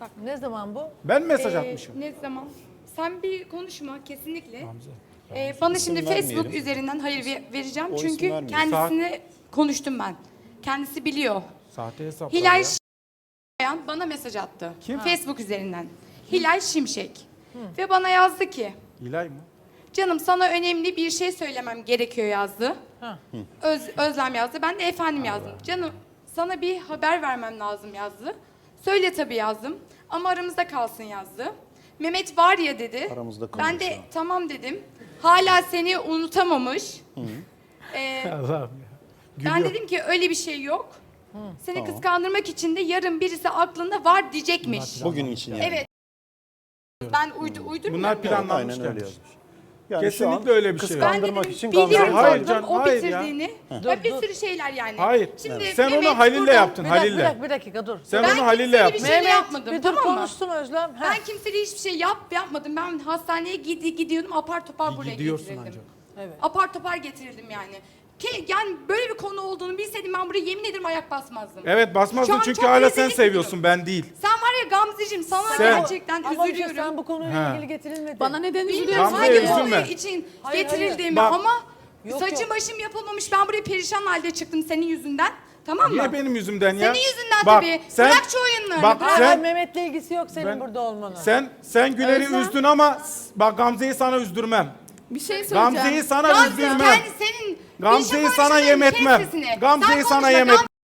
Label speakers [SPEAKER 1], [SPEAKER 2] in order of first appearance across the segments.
[SPEAKER 1] Bak.
[SPEAKER 2] Ne zaman bu?
[SPEAKER 3] Ben mesaj atmışım.
[SPEAKER 1] Ne zaman? Sen bir konuşma kesinlikle.
[SPEAKER 3] Hamza.
[SPEAKER 1] Bana
[SPEAKER 4] İsim
[SPEAKER 1] şimdi
[SPEAKER 4] vermeyelim.
[SPEAKER 1] Facebook üzerinden hayır vereceğim.
[SPEAKER 4] O isim
[SPEAKER 1] Çünkü
[SPEAKER 4] vermeyelim.
[SPEAKER 1] kendisini konuştum ben. Kendisi biliyor.
[SPEAKER 3] Sahte hesaplar
[SPEAKER 1] Hilal
[SPEAKER 3] ya.
[SPEAKER 1] Şimşek bana mesaj attı.
[SPEAKER 3] Kim?
[SPEAKER 1] Facebook üzerinden. Hilal Şimşek. Ve bana yazdı ki,
[SPEAKER 3] Hilal mı?
[SPEAKER 1] canım sana önemli bir şey söylemem gerekiyor yazdı.
[SPEAKER 2] Ha.
[SPEAKER 1] Özlem yazdı. Ben de efendim yazdım. Canım sana bir haber vermem lazım yazdı. Söyle tabii yazdım. Ama aramızda kalsın yazdı. Mehmet var ya dedi.
[SPEAKER 4] Aramızda
[SPEAKER 1] Ben de
[SPEAKER 4] kalsın.
[SPEAKER 1] tamam dedim. Hala seni unutamamış.
[SPEAKER 3] Allah'ım ya.
[SPEAKER 1] Ben
[SPEAKER 3] Gülüyor.
[SPEAKER 1] dedim ki öyle bir şey yok. Seni kıskandırmak için de yarın birisi aklında var diyecekmiş.
[SPEAKER 4] Bugün için yani.
[SPEAKER 1] Evet. Ben uydurmuyorum.
[SPEAKER 3] Bunlar
[SPEAKER 1] mu?
[SPEAKER 3] planlanmış
[SPEAKER 4] Aynen öyle
[SPEAKER 3] gelmiş.
[SPEAKER 4] yazmış. Yani
[SPEAKER 3] Kesinlikle
[SPEAKER 4] şu an
[SPEAKER 3] öyle bir şey yok.
[SPEAKER 1] Ben
[SPEAKER 4] kıskandırmak
[SPEAKER 1] dedim
[SPEAKER 4] için
[SPEAKER 1] biliyorum
[SPEAKER 4] Gamze'yi
[SPEAKER 3] Hayır
[SPEAKER 1] zaten
[SPEAKER 3] canım,
[SPEAKER 1] o
[SPEAKER 3] hayır ya.
[SPEAKER 1] bitirdiğini. Bir sürü şeyler yani.
[SPEAKER 3] Hayır.
[SPEAKER 1] Şimdi
[SPEAKER 3] Sen onu
[SPEAKER 1] Mehmet
[SPEAKER 3] Halil'le
[SPEAKER 1] burada-
[SPEAKER 3] yaptın,
[SPEAKER 2] Bir dakika,
[SPEAKER 3] Halil'le.
[SPEAKER 2] bir dakika dur.
[SPEAKER 3] Sen
[SPEAKER 1] Ben
[SPEAKER 3] onu Halil'le
[SPEAKER 1] kimseye
[SPEAKER 3] yaptın.
[SPEAKER 1] bir şey yapmadım,
[SPEAKER 2] bir dur
[SPEAKER 1] tamam mı?
[SPEAKER 2] konuşsun Özlem. Ha.
[SPEAKER 1] Ben kimseye hiçbir şey yapmadım. Ben hastaneye gidiyordum apar topar buraya
[SPEAKER 3] Gidiyorsun
[SPEAKER 1] getirildim.
[SPEAKER 3] ancak.
[SPEAKER 2] Evet.
[SPEAKER 1] Apar topar getirildim yani. Yani böyle bir konu olduğunu bilseydim ben buraya yemin ederim ayak basmazdım.
[SPEAKER 3] Evet
[SPEAKER 1] Şu
[SPEAKER 3] basmazdın
[SPEAKER 1] an
[SPEAKER 3] çünkü
[SPEAKER 1] çok
[SPEAKER 3] hala sen
[SPEAKER 1] rezillik
[SPEAKER 3] seviyorsun, ben değil.
[SPEAKER 1] Sen var ya Gamzeciğim sana
[SPEAKER 3] Sen-
[SPEAKER 1] gerçekten
[SPEAKER 2] Ama işte
[SPEAKER 1] üzülüyorum.
[SPEAKER 2] sen bu konuyla
[SPEAKER 3] Ha.
[SPEAKER 2] ilgili getirilmedi.
[SPEAKER 5] Bana neden
[SPEAKER 1] Bilmiyorum
[SPEAKER 5] üzülüyorsun?
[SPEAKER 3] Gamze'ye
[SPEAKER 1] hangi
[SPEAKER 3] üzülme.
[SPEAKER 1] konu için
[SPEAKER 2] Hayır,
[SPEAKER 1] getirildiğimi
[SPEAKER 3] Bak.
[SPEAKER 1] ama
[SPEAKER 2] Yok,
[SPEAKER 1] saçım
[SPEAKER 2] yok.
[SPEAKER 1] başım yapılmamış. Ben buraya perişan halde çıktım senin yüzünden. Tamam mı?
[SPEAKER 3] Niye benim yüzümden ya?
[SPEAKER 1] Senin yüzünden
[SPEAKER 3] Bak,
[SPEAKER 1] tabii.
[SPEAKER 3] sen-
[SPEAKER 1] Bırak şu oyunlarını.
[SPEAKER 3] Bak,
[SPEAKER 1] bırak.
[SPEAKER 2] Hayır,
[SPEAKER 3] sen-
[SPEAKER 2] Mehmet'le ilgisi yok senin
[SPEAKER 3] Ben-
[SPEAKER 2] burada olmanın.
[SPEAKER 3] Sen Güler'i
[SPEAKER 5] Özlem.
[SPEAKER 3] üzdün ama bak Gamze'yi sana üzdürmem.
[SPEAKER 5] Bir şey söyleyeceğim.
[SPEAKER 3] Gamze'yi sana
[SPEAKER 1] Gamze
[SPEAKER 3] üzdürmem.
[SPEAKER 1] kendi senin
[SPEAKER 3] Gamze'yi
[SPEAKER 1] Gülşah
[SPEAKER 3] sana
[SPEAKER 1] konuşmaların
[SPEAKER 3] yem
[SPEAKER 1] kes
[SPEAKER 3] etmem.
[SPEAKER 1] sesini.
[SPEAKER 3] Gamze'yi
[SPEAKER 1] Sen
[SPEAKER 3] sana
[SPEAKER 1] konuşma,
[SPEAKER 3] yem etmem.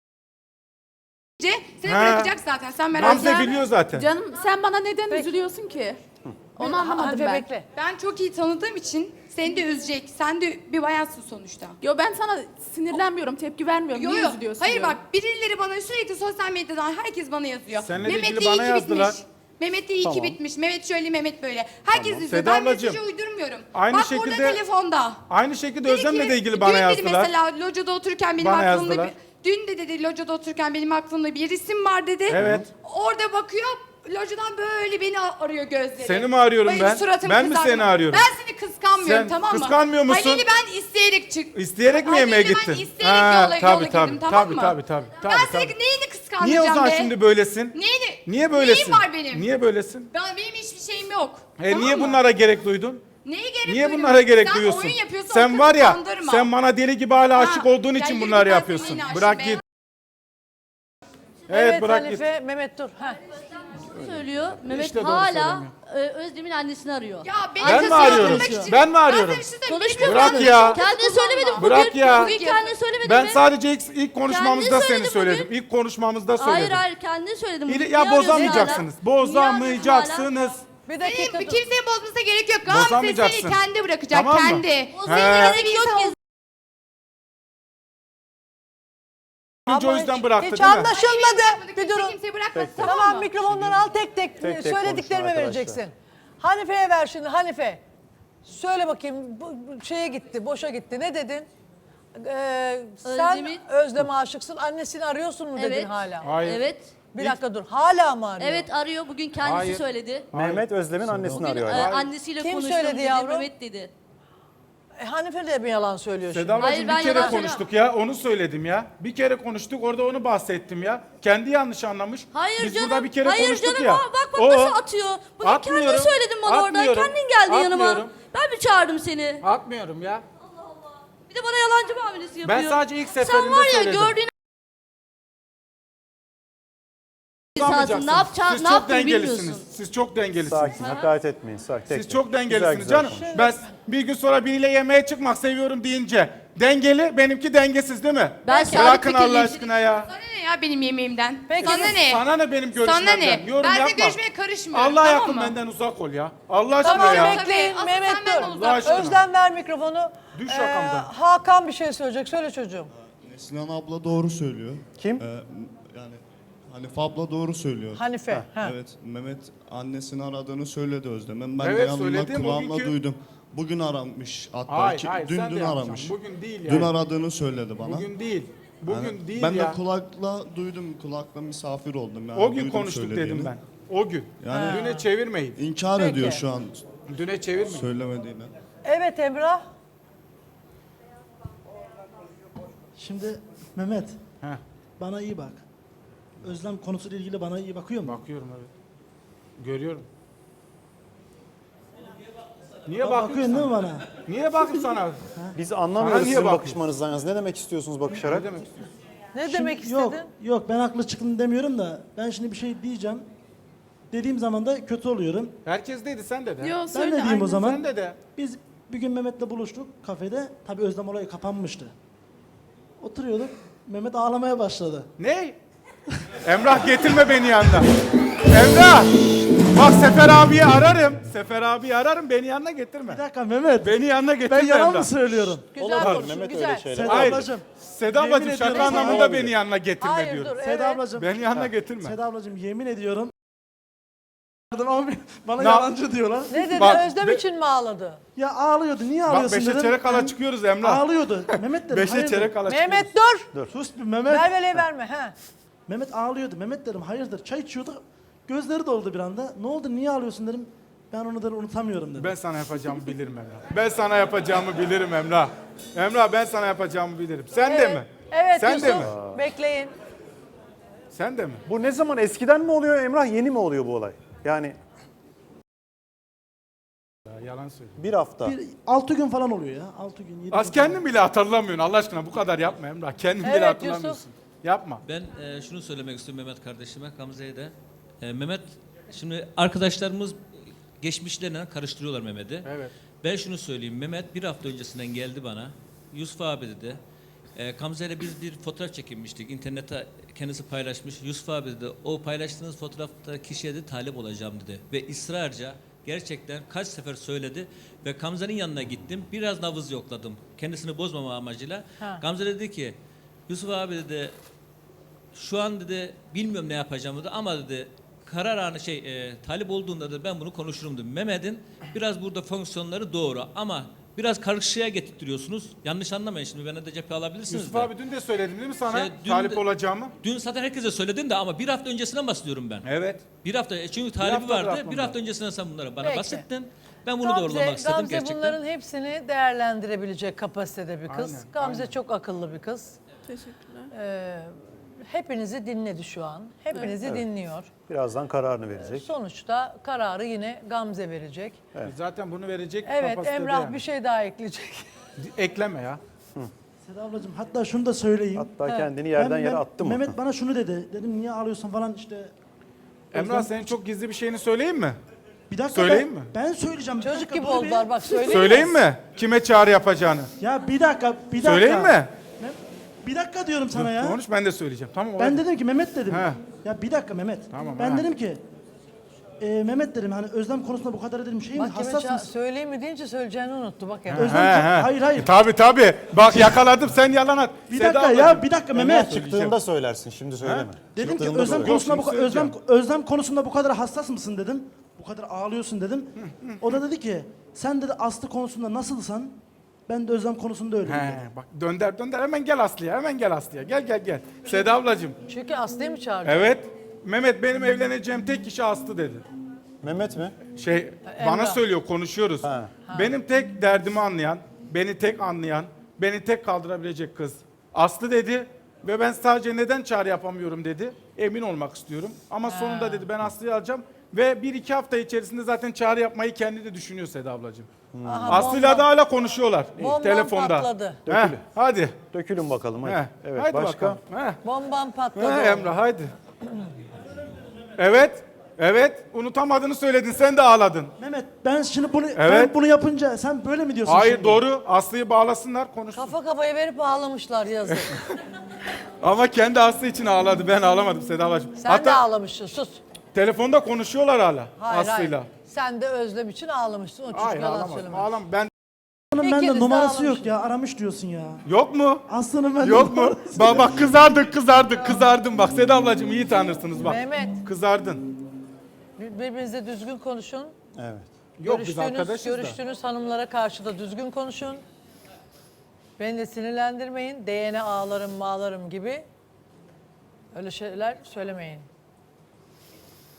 [SPEAKER 1] Seni
[SPEAKER 3] Ha.
[SPEAKER 1] bırakacak zaten sen merak
[SPEAKER 3] Gamze
[SPEAKER 1] etme.
[SPEAKER 3] biliyor zaten.
[SPEAKER 5] Canım sen bana neden
[SPEAKER 2] Peki.
[SPEAKER 5] üzülüyorsun ki? Onu anlamadım
[SPEAKER 2] Hanife
[SPEAKER 5] ben.
[SPEAKER 2] bekle.
[SPEAKER 1] Ben çok iyi tanıdığım için seni de üzecek. Sen de bir bayansın sonuçta.
[SPEAKER 5] Yo ben sana sinirlenmiyorum, tepki vermiyorum.
[SPEAKER 1] Yo
[SPEAKER 5] Niye
[SPEAKER 1] yo.
[SPEAKER 5] üzülüyorsun
[SPEAKER 1] Hayır
[SPEAKER 5] diyorum.
[SPEAKER 1] bak birileri bana sürekli sosyal medyadan herkes bana yazıyor.
[SPEAKER 3] Seninle de
[SPEAKER 1] Mehmet
[SPEAKER 3] ilgili
[SPEAKER 1] de iyi
[SPEAKER 3] bana
[SPEAKER 1] ki
[SPEAKER 3] yazdılar.
[SPEAKER 1] bitmiş. Mehmet de iyi ki
[SPEAKER 4] Tamam.
[SPEAKER 1] bitmiş. Mehmet şöyle Mehmet böyle. Herkes
[SPEAKER 4] Tamam.
[SPEAKER 1] yazıyor.
[SPEAKER 3] Seda
[SPEAKER 1] Ben
[SPEAKER 3] ablacığım,
[SPEAKER 1] mesajı uydurmuyorum.
[SPEAKER 3] aynı
[SPEAKER 1] Bak
[SPEAKER 3] şekilde-
[SPEAKER 1] burada telefonda.
[SPEAKER 3] Aynı şekilde
[SPEAKER 1] Dedi
[SPEAKER 3] Özlem'le
[SPEAKER 1] ki,
[SPEAKER 3] de ilgili bana
[SPEAKER 1] dün
[SPEAKER 3] yazdılar.
[SPEAKER 1] dedi mesela locada otururken benim
[SPEAKER 3] Bana
[SPEAKER 1] aklımda
[SPEAKER 3] yazdılar.
[SPEAKER 1] dün de dedi locada otururken benim aklımda bir isim var dedi.
[SPEAKER 3] Evet.
[SPEAKER 1] Orada bakıyor locadan böyle beni arıyor gözleri.
[SPEAKER 3] Seni mi arıyorum
[SPEAKER 1] Böyle
[SPEAKER 3] ben?
[SPEAKER 1] suratımı
[SPEAKER 3] Ben mi
[SPEAKER 1] kızartıyor.
[SPEAKER 3] seni arıyorum?
[SPEAKER 1] Ben seni kıskanmıyorum
[SPEAKER 3] Sen
[SPEAKER 1] tamam mı?
[SPEAKER 3] kıskanmıyor musun?
[SPEAKER 1] Halil'i ben isteyerek
[SPEAKER 3] İsteyerek mi yemeğe
[SPEAKER 1] Halil'i
[SPEAKER 3] gittin?
[SPEAKER 1] ben isteyerek yola girdim tamam mı?
[SPEAKER 3] Tabii.
[SPEAKER 1] Ben senin neyini kıskanacağım
[SPEAKER 3] Niye o zaman
[SPEAKER 1] be?
[SPEAKER 3] şimdi böylesin?
[SPEAKER 1] Neyini?
[SPEAKER 3] Niye böylesin?
[SPEAKER 1] Neyim var benim?
[SPEAKER 3] Niye böylesin?
[SPEAKER 1] Benim hiçbir şeyim yok.
[SPEAKER 3] Niye
[SPEAKER 1] mı?
[SPEAKER 3] bunlara gerek duydun?
[SPEAKER 1] Neye gerek
[SPEAKER 3] Niye
[SPEAKER 1] duydum?
[SPEAKER 3] bunlara gerek
[SPEAKER 1] Sen
[SPEAKER 3] duyuyorsun?
[SPEAKER 1] oyun yapıyorsun,
[SPEAKER 3] Sen var ya,
[SPEAKER 1] kandırma.
[SPEAKER 3] sen bana deli gibi hala aşık olduğun
[SPEAKER 1] ya
[SPEAKER 3] için
[SPEAKER 1] yürü
[SPEAKER 3] bunları
[SPEAKER 1] git, ben
[SPEAKER 3] yapıyorsun.
[SPEAKER 1] seninle aşığım
[SPEAKER 3] Bırak
[SPEAKER 1] be.
[SPEAKER 3] git.
[SPEAKER 2] Evet,
[SPEAKER 3] Evet bırak git.
[SPEAKER 2] Hanife, Mehmet dur. Ha.
[SPEAKER 6] söylüyor. Mehmet
[SPEAKER 3] İşte doğru
[SPEAKER 6] hala Özlem'in annesini arıyor.
[SPEAKER 1] Ya beni
[SPEAKER 3] Ben mi
[SPEAKER 1] kıskanmak
[SPEAKER 3] arıyorum?
[SPEAKER 1] için-
[SPEAKER 3] Ben mi arıyorum?
[SPEAKER 1] sana bir şey söyleyeyim.
[SPEAKER 6] Konuşmuyor
[SPEAKER 3] Bırak
[SPEAKER 6] musun?
[SPEAKER 3] ya.
[SPEAKER 6] Kendin söylemedin bugün.
[SPEAKER 3] Bırak ya.
[SPEAKER 6] Bugün kendin söylemedin
[SPEAKER 3] Ben
[SPEAKER 6] mi?
[SPEAKER 3] sadece ilk konuşmamızda
[SPEAKER 6] Kendin
[SPEAKER 3] seni
[SPEAKER 6] söyledin
[SPEAKER 3] söyledim.
[SPEAKER 6] bugün.
[SPEAKER 3] İlk konuşmamızda söyledim.
[SPEAKER 6] Hayır hayır kendin söyledin. Bugün.
[SPEAKER 3] Ya
[SPEAKER 6] Niye arıyorsun
[SPEAKER 3] bozamayacaksınız.
[SPEAKER 6] hala? Niye
[SPEAKER 3] Bozamayacaksınız.
[SPEAKER 2] Bir dakika
[SPEAKER 1] Senin
[SPEAKER 2] dur.
[SPEAKER 1] kimsenin bozmasına gerek yok. Gamze
[SPEAKER 3] Bozamayacaksın.
[SPEAKER 1] seni kendi bırakacak
[SPEAKER 3] Tamam mı?
[SPEAKER 1] kendi.
[SPEAKER 6] arıyorsun hala? O
[SPEAKER 3] He.
[SPEAKER 6] senin gerek yok ki.
[SPEAKER 3] Önce o
[SPEAKER 2] Ama
[SPEAKER 3] yüzden bıraktı
[SPEAKER 2] hiç
[SPEAKER 3] değil mi?
[SPEAKER 2] anlaşılmadı. Bir
[SPEAKER 1] Kimse
[SPEAKER 2] durun.
[SPEAKER 1] kimseyi bırakmaz
[SPEAKER 4] Tek tek.
[SPEAKER 1] tamam
[SPEAKER 2] Tamam
[SPEAKER 1] mı?
[SPEAKER 2] mikrofonları al tek tek,
[SPEAKER 4] tek
[SPEAKER 2] söylediklerime
[SPEAKER 4] konuşun
[SPEAKER 2] vereceksin. Hanife'ye ver şimdi Hanife. Söyle bakayım bu şeye gitti, boşa gitti. Ne dedin? Sen
[SPEAKER 6] Özlem'in-
[SPEAKER 2] Özlem'e aşıksın. Annesini arıyorsun mu dedin
[SPEAKER 6] Evet.
[SPEAKER 2] hala?
[SPEAKER 3] Hayır.
[SPEAKER 6] Evet.
[SPEAKER 2] Bir dakika dur. Hala mı arıyor?
[SPEAKER 6] Evet arıyor. Bugün kendisi
[SPEAKER 3] Hayır.
[SPEAKER 6] söyledi.
[SPEAKER 4] Mehmet Özlem'in annesini
[SPEAKER 6] Bugün
[SPEAKER 4] arıyor.
[SPEAKER 6] annesiyle
[SPEAKER 2] Kim
[SPEAKER 6] konuştum
[SPEAKER 2] söyledi
[SPEAKER 6] dedi.
[SPEAKER 2] yavrum?
[SPEAKER 6] Mehmet dedi.
[SPEAKER 2] Hanife de mi yalan söylüyor şimdi?
[SPEAKER 3] Seda ablacığım
[SPEAKER 6] Hayır, ben
[SPEAKER 3] bir kere
[SPEAKER 6] yalan
[SPEAKER 3] konuştuk ya. Onu söyledim ya. Bir kere konuştuk orada onu bahsettim ya. Kendi yanlış anlamış.
[SPEAKER 6] Hayır
[SPEAKER 3] Biz
[SPEAKER 6] canım.
[SPEAKER 3] burada bir kere
[SPEAKER 6] hayır
[SPEAKER 3] konuştuk
[SPEAKER 6] canım.
[SPEAKER 3] ya.
[SPEAKER 6] Bak
[SPEAKER 3] O-
[SPEAKER 6] nasıl atıyor. Bugün
[SPEAKER 3] Atmıyorum,
[SPEAKER 6] kendin söyledin bana orada.
[SPEAKER 3] atmıyorum,
[SPEAKER 6] Kendin geldin yanıma.
[SPEAKER 3] atmıyorum.
[SPEAKER 6] Ben mi çağırdım seni?
[SPEAKER 3] Atmıyorum ya.
[SPEAKER 6] Bir de bana yalancı muamelesi yapıyor.
[SPEAKER 3] Ben sadece ilk seferinde
[SPEAKER 6] Sen var ya
[SPEAKER 3] söyledim.
[SPEAKER 6] gördüğün
[SPEAKER 3] Bozamayacaksınız.
[SPEAKER 6] ne yapacağını
[SPEAKER 3] Siz
[SPEAKER 6] ne
[SPEAKER 3] çok
[SPEAKER 6] yaptığını
[SPEAKER 3] dengelisiniz.
[SPEAKER 6] bilmiyorsun.
[SPEAKER 3] Siz çok dengelisiniz.
[SPEAKER 4] Sakin, hakaret etmeyin. Sakin. Tek
[SPEAKER 3] Siz
[SPEAKER 4] tek.
[SPEAKER 3] çok
[SPEAKER 4] Güzel
[SPEAKER 3] dengelisiniz
[SPEAKER 4] güzel
[SPEAKER 3] canım.
[SPEAKER 4] konuşun.
[SPEAKER 3] Ben bir gün sonra biriyle yemeğe çıkmak seviyorum deyince dengeli, benimki dengesiz değil mi?
[SPEAKER 6] Ben sabit
[SPEAKER 3] Bırakın Allah
[SPEAKER 6] fikirliyim.
[SPEAKER 3] aşkına ya.
[SPEAKER 1] Sana ne ya benim yemeğimden?
[SPEAKER 2] Peki,
[SPEAKER 1] Sana ne?
[SPEAKER 3] Sana ne benim
[SPEAKER 1] Sana
[SPEAKER 3] görüşmemden?
[SPEAKER 1] ne?
[SPEAKER 3] Yorum
[SPEAKER 1] Ben senin
[SPEAKER 3] yapma.
[SPEAKER 1] görüşmeye karışmıyorum.
[SPEAKER 3] Allah
[SPEAKER 1] tamam
[SPEAKER 3] yakın
[SPEAKER 1] mı?
[SPEAKER 3] benden uzak ol ya. Allah aşkına
[SPEAKER 2] Tamam
[SPEAKER 3] ya.
[SPEAKER 2] bekleyin.
[SPEAKER 1] Asıl
[SPEAKER 2] Mehmet
[SPEAKER 1] sen benden
[SPEAKER 2] dur.
[SPEAKER 1] uzak
[SPEAKER 3] Allah aşkına.
[SPEAKER 2] Özlem ver mikrofonu.
[SPEAKER 3] Düş rakamdan.
[SPEAKER 2] Hakan bir şey söyleyecek. Söyle çocuğum.
[SPEAKER 7] Sinan abla doğru söylüyor.
[SPEAKER 4] Kim?
[SPEAKER 7] Yani Hanife abla doğru söylüyor.
[SPEAKER 2] Hanife. Ha.
[SPEAKER 7] Evet, Mehmet annesini aradığını söyledi Özlem'in. Ben
[SPEAKER 3] Evet,
[SPEAKER 7] de yanımda
[SPEAKER 3] söyledim,
[SPEAKER 7] kulağımla
[SPEAKER 3] bugünkü-
[SPEAKER 7] duydum. Bugün aramış hatta.
[SPEAKER 3] Hayır,
[SPEAKER 7] Ki-
[SPEAKER 3] hayır,
[SPEAKER 7] dün
[SPEAKER 3] sen de
[SPEAKER 7] dün
[SPEAKER 3] yapacaksın.
[SPEAKER 7] aramış.
[SPEAKER 3] Bugün değil
[SPEAKER 7] Dün
[SPEAKER 3] yani.
[SPEAKER 7] aradığını söyledi bana.
[SPEAKER 3] Bugün değil. Bugün
[SPEAKER 7] Yani
[SPEAKER 3] değil
[SPEAKER 7] ben
[SPEAKER 3] ya.
[SPEAKER 7] de kulakla duydum, kulakla misafir oldum. Yani
[SPEAKER 3] O gün
[SPEAKER 7] duydum
[SPEAKER 3] konuştuk
[SPEAKER 7] söylediğini.
[SPEAKER 3] dedim ben. O gün.
[SPEAKER 7] Yani-
[SPEAKER 3] Düne çevirmeyin.
[SPEAKER 7] İnkar
[SPEAKER 2] Peki.
[SPEAKER 7] ediyor şu an
[SPEAKER 3] Düne çevirmeyin.
[SPEAKER 7] söylemediğini.
[SPEAKER 2] Evet Emrah.
[SPEAKER 8] Şimdi Mehmet
[SPEAKER 3] Heh,
[SPEAKER 8] bana iyi bak. Özlem konusuyla ilgili bana iyi bakıyor mu?
[SPEAKER 3] bakıyorum evet. Görüyorum. Niye
[SPEAKER 8] bakıyorsun
[SPEAKER 3] bakıyorsun?
[SPEAKER 8] değil mi bana?
[SPEAKER 3] Niye bakayım sana?
[SPEAKER 4] Biz
[SPEAKER 3] Sana
[SPEAKER 4] anlamıyoruz
[SPEAKER 3] niye
[SPEAKER 4] sizin
[SPEAKER 3] bakıyorsun?
[SPEAKER 4] bakışmanızdan yalnız. Ne demek istiyorsunuz bakışarak?
[SPEAKER 3] Ne demek istiyorsun?
[SPEAKER 2] Ne demek istedin?
[SPEAKER 8] Yok ben haklı çıktım demiyorum da ben şimdi bir şey diyeceğim. Dediğim zaman da kötü oluyorum.
[SPEAKER 3] Herkes dedi, sen de de.
[SPEAKER 5] Yo
[SPEAKER 8] Ben
[SPEAKER 5] söyle.
[SPEAKER 8] de diyeyim
[SPEAKER 5] aynen.
[SPEAKER 8] o zaman.
[SPEAKER 3] Sen de de.
[SPEAKER 8] Biz bir gün Mehmet'le buluştuk kafede. Tabii Özlem olayı kapanmıştı. Oturuyorduk. Mehmet ağlamaya başladı.
[SPEAKER 3] Ne? Emrah getirme beni yanına. Emrah! Bak Sefer abiyi ararım. Sefer abiyi ararım, beni yanına getirme.
[SPEAKER 8] Bir dakika Mehmet.
[SPEAKER 3] Beni yanına getirme
[SPEAKER 8] Ben yalan
[SPEAKER 3] Emrah.
[SPEAKER 8] mı söylüyorum?
[SPEAKER 2] Güzel
[SPEAKER 4] Olur,
[SPEAKER 2] konuşun,
[SPEAKER 4] Mehmet
[SPEAKER 2] güzel.
[SPEAKER 4] öyle şeyler.
[SPEAKER 8] Seda
[SPEAKER 3] Hayır.
[SPEAKER 8] ablacığım.
[SPEAKER 3] Seda
[SPEAKER 8] Yemin
[SPEAKER 3] ablacığım şaka
[SPEAKER 8] ediyorum.
[SPEAKER 3] anlamında
[SPEAKER 4] Olabilir.
[SPEAKER 3] beni yanına getirme
[SPEAKER 2] Hayır
[SPEAKER 3] diyorum.
[SPEAKER 2] dur,
[SPEAKER 8] Seda
[SPEAKER 2] evet.
[SPEAKER 8] ablacığım.
[SPEAKER 3] Beni yanına getirme.
[SPEAKER 8] Seda ablacığım yemin ediyorum. Ama bana
[SPEAKER 3] Ne-
[SPEAKER 8] yalancı diyorlar.
[SPEAKER 2] Ne dedi?
[SPEAKER 3] Bak,
[SPEAKER 2] Özlem için mi ağladı?
[SPEAKER 8] Ya ağlıyordu. Niye
[SPEAKER 3] Bak
[SPEAKER 8] ağlıyorsun
[SPEAKER 3] 5'e
[SPEAKER 8] dedim.
[SPEAKER 3] çeyrek kala çıkıyoruz Emrah.
[SPEAKER 8] Ağlıyordu. Mehmet dedim.
[SPEAKER 3] 5'e
[SPEAKER 8] hayırdır?
[SPEAKER 3] çeyrek kala çıkıyoruz.
[SPEAKER 2] Mehmet dur.
[SPEAKER 8] Sus bir Mehmet.
[SPEAKER 2] Ver verme. Ha.
[SPEAKER 8] Mehmet ağlıyordu. Mehmet dedim hayırdır çay içiyorduk. Gözleri doldu bir anda. Ne oldu niye ağlıyorsun dedim. Ben onu dedim unutamıyorum dedim.
[SPEAKER 3] Ben sana yapacağımı bilirim Emrah. Ben sana yapacağımı bilirim Emrah. Emrah ben sana yapacağımı bilirim. Sen de mi?
[SPEAKER 2] Evet
[SPEAKER 3] Sen
[SPEAKER 2] Yusuf.
[SPEAKER 3] de mi?
[SPEAKER 2] Bekleyin.
[SPEAKER 3] Sen de mi?
[SPEAKER 4] Bu ne zaman? Eskiden mi oluyor Emrah? Yeni mi oluyor bu olay? Yani
[SPEAKER 3] Ya, yalan söylüyorum.
[SPEAKER 4] bir hafta.
[SPEAKER 8] 6 gün falan oluyor ya. 6 gün 7
[SPEAKER 3] Az
[SPEAKER 8] gün.
[SPEAKER 3] kendin bile hatırlamıyorsun Allah aşkına, bu kadar yapma Emrah. Kendin bile
[SPEAKER 2] Evet,
[SPEAKER 3] hatırlamıyorsun.
[SPEAKER 2] Yusuf.
[SPEAKER 3] Yapma.
[SPEAKER 9] Ben şunu söylemek istiyorum Mehmet kardeşime, Gamze'ye de. Mehmet, şimdi arkadaşlarımız geçmişlerine karıştırıyorlar Mehmet'i.
[SPEAKER 3] Evet.
[SPEAKER 9] Ben şunu söyleyeyim, Mehmet bir hafta öncesinden geldi bana. Yusuf abi dedi. Gamze ile biz bir fotoğraf çekinmiştik. İnternete kendisi paylaşmış. Yusuf abi dedi, o paylaştığınız fotoğrafta kişiye de talip olacağım dedi. Ve ısrarca gerçekten kaç sefer söyledi. Ve Gamze'nin yanına gittim. Biraz nabız yokladım. Kendisini bozmama amacıyla.
[SPEAKER 2] Ha.
[SPEAKER 9] Gamze dedi ki, Yusuf abi dedi, şu an dedi bilmiyorum ne yapacağım dedi ama dedi karar anı talip olduğunda da ben bunu konuşurum dedi. Mehmet'in biraz burada fonksiyonları doğru ama biraz karışığa getirtiyorsunuz. Yanlış anlamayın şimdi bana da cephe alabilirsiniz.
[SPEAKER 3] Yusuf
[SPEAKER 9] de.
[SPEAKER 3] abi dün de söyledim değil mi sana
[SPEAKER 9] Şey, dün
[SPEAKER 3] talip
[SPEAKER 9] de-
[SPEAKER 3] olacağımı?
[SPEAKER 9] Dün zaten herkese söyledin de ama bir hafta öncesinden bahsediyorum ben.
[SPEAKER 3] Evet.
[SPEAKER 9] Bir hafta çünkü talibi
[SPEAKER 3] haftadır
[SPEAKER 9] vardı.
[SPEAKER 3] aklımda.
[SPEAKER 9] Bir hafta öncesinden sen bunlara bana
[SPEAKER 2] Peki.
[SPEAKER 9] bahsettin. Ben bunu doğrulamak istedim
[SPEAKER 2] Gamze
[SPEAKER 9] gerçekten.
[SPEAKER 2] bunların hepsini değerlendirebilecek kapasitede bir kız.
[SPEAKER 3] Aynen,
[SPEAKER 2] Gamze çok akıllı bir kız.
[SPEAKER 5] Teşekkürler.
[SPEAKER 2] Hepinizi dinledi şu an. Hepinizi dinliyor.
[SPEAKER 4] Birazdan kararını verecek.
[SPEAKER 2] Sonuçta kararı yine Gamze verecek.
[SPEAKER 3] Zaten bunu verecek
[SPEAKER 2] Evet
[SPEAKER 3] kapasitede
[SPEAKER 2] Emrah
[SPEAKER 3] yani.
[SPEAKER 2] bir şey daha ekleyecek.
[SPEAKER 3] Ekleme ya.
[SPEAKER 8] Seda ablacığım hatta şunu da söyleyeyim.
[SPEAKER 4] Hatta kendini yerden yere attı mı?
[SPEAKER 8] Mehmet bana şunu dedi. Dedim niye ağlıyorsun falan işte.
[SPEAKER 3] Emrah senin çok gizli bir şeyini söyleyeyim mi?
[SPEAKER 8] Bir dakika
[SPEAKER 3] Söyleyeyim
[SPEAKER 8] ben,
[SPEAKER 3] mi?
[SPEAKER 8] ben söyleyeceğim. Bir
[SPEAKER 2] Çocuk
[SPEAKER 8] dakika,
[SPEAKER 2] gibi
[SPEAKER 8] dur bir.
[SPEAKER 2] oldular bak söyleyeyim.
[SPEAKER 3] Söyleyeyim mi? Kime çağrı yapacağını?
[SPEAKER 8] Ya bir dakika.
[SPEAKER 3] Söyleyeyim mi?
[SPEAKER 8] Bir dakika diyorum sana ya.
[SPEAKER 3] Konuş, ben de söyleyeceğim. Tamam.
[SPEAKER 8] Ben
[SPEAKER 3] hadi.
[SPEAKER 8] dedim ki Mehmet dedim.
[SPEAKER 3] He.
[SPEAKER 8] Ya bir dakika Mehmet.
[SPEAKER 3] Tamam,
[SPEAKER 8] ben
[SPEAKER 3] he.
[SPEAKER 8] dedim ki Mehmet dedim hani Özlem konusunda bu kadar dedim şey mi
[SPEAKER 2] Bak kime
[SPEAKER 8] hassas mısın?
[SPEAKER 2] söyleyeyim mi deyince söyleyeceğini unuttu bak ya.
[SPEAKER 8] Özlem hayır.
[SPEAKER 3] Tabii. Bak yakaladım, sen yalan at.
[SPEAKER 8] Bir
[SPEAKER 3] Seda
[SPEAKER 8] dakika ya
[SPEAKER 3] ablacığım.
[SPEAKER 8] bir dakika
[SPEAKER 4] Emrah
[SPEAKER 8] Mehmet.
[SPEAKER 4] çıktığında söylersin. Şimdi söyleme.
[SPEAKER 8] Dedim ki
[SPEAKER 4] Çıktığında
[SPEAKER 8] Özlem
[SPEAKER 4] söyle.
[SPEAKER 8] konusunda
[SPEAKER 3] Yok, şimdi söyleyeceğim.
[SPEAKER 8] Özlem konusunda bu kadar hassas mısın dedim. Bu kadar ağlıyorsun dedim. O da dedi ki sen dedi Aslı konusunda nasılsan ben de Özlem konusunda öyleyim dedi.
[SPEAKER 3] He, bak dönder hemen gel Aslı'ya. Gel. Seda ablacığım.
[SPEAKER 2] Çünkü Aslı'yı mı çağırdı?
[SPEAKER 3] Evet. Mehmet benim evleneceğim tek kişi Aslı dedi.
[SPEAKER 4] Mehmet mi?
[SPEAKER 3] Bana söylüyor, konuşuyoruz.
[SPEAKER 4] Ha.
[SPEAKER 3] Benim tek derdimi anlayan, beni tek anlayan, beni tek kaldırabilecek kız Aslı dedi. Ve ben sadece neden çağrı yapamıyorum dedi. Emin olmak istiyorum. Ama sonunda dedi ben Aslı'yı alacağım. Ve 1-2 hafta içerisinde zaten çağrı yapmayı kendi de düşünüyor Seda ablacığım.
[SPEAKER 2] Aha,
[SPEAKER 3] Aslı'yla da hala konuşuyorlar
[SPEAKER 2] Bombam
[SPEAKER 3] telefonda.
[SPEAKER 2] patladı.
[SPEAKER 3] Heh, hadi.
[SPEAKER 4] Dökülün bakalım hadi.
[SPEAKER 3] Heh,
[SPEAKER 4] Evet
[SPEAKER 3] haydi
[SPEAKER 4] başka?
[SPEAKER 3] bakalım. Heh.
[SPEAKER 2] Bombam patladı.
[SPEAKER 3] Ha, Emrah haydi. Evet. Unutamadığını söyledin. Sen de ağladın.
[SPEAKER 8] Mehmet ben şimdi bunu
[SPEAKER 3] Evet.
[SPEAKER 8] ben bunu yapınca sen böyle mi diyorsun
[SPEAKER 3] Hayır
[SPEAKER 8] şimdi?
[SPEAKER 3] doğru. Aslı'yı bağlasınlar, konuşsun.
[SPEAKER 2] Kafa kafaya verip ağlamışlar yazık.
[SPEAKER 3] Ama kendi Aslı için ağladı. Ben ağlamadım Seda ablacığım.
[SPEAKER 2] Sen de ağlamışsın sus.
[SPEAKER 3] telefonda konuşuyorlar hala
[SPEAKER 2] Hayır
[SPEAKER 3] Aslı'yla.
[SPEAKER 2] hayır. Sen de Özlem için ağlamışsın. O çocuk
[SPEAKER 3] Hayır
[SPEAKER 2] yalan
[SPEAKER 3] ağlamadım.
[SPEAKER 2] söyleme.
[SPEAKER 3] Ben
[SPEAKER 8] Aslı'nın
[SPEAKER 2] İkiniz
[SPEAKER 8] bende
[SPEAKER 2] de
[SPEAKER 8] numarası
[SPEAKER 2] ağlamışsınız.
[SPEAKER 8] yok ya aramış diyorsun ya.
[SPEAKER 3] yok mu?
[SPEAKER 8] Aslı'nın bende
[SPEAKER 3] Yok mu?
[SPEAKER 8] numarası
[SPEAKER 3] Bak kızardın bak. Seda ablacığım iyi tanırsınız bak.
[SPEAKER 2] Mehmet.
[SPEAKER 3] Kızardın.
[SPEAKER 2] Birbirinize düzgün konuşun.
[SPEAKER 4] Evet.
[SPEAKER 3] Yok biz arkadaşız da.
[SPEAKER 2] Görüştüğünüz hanımlara karşı da düzgün konuşun. Beni de sinirlendirmeyin. DNA ağlarım gibi öyle şeyler söylemeyin.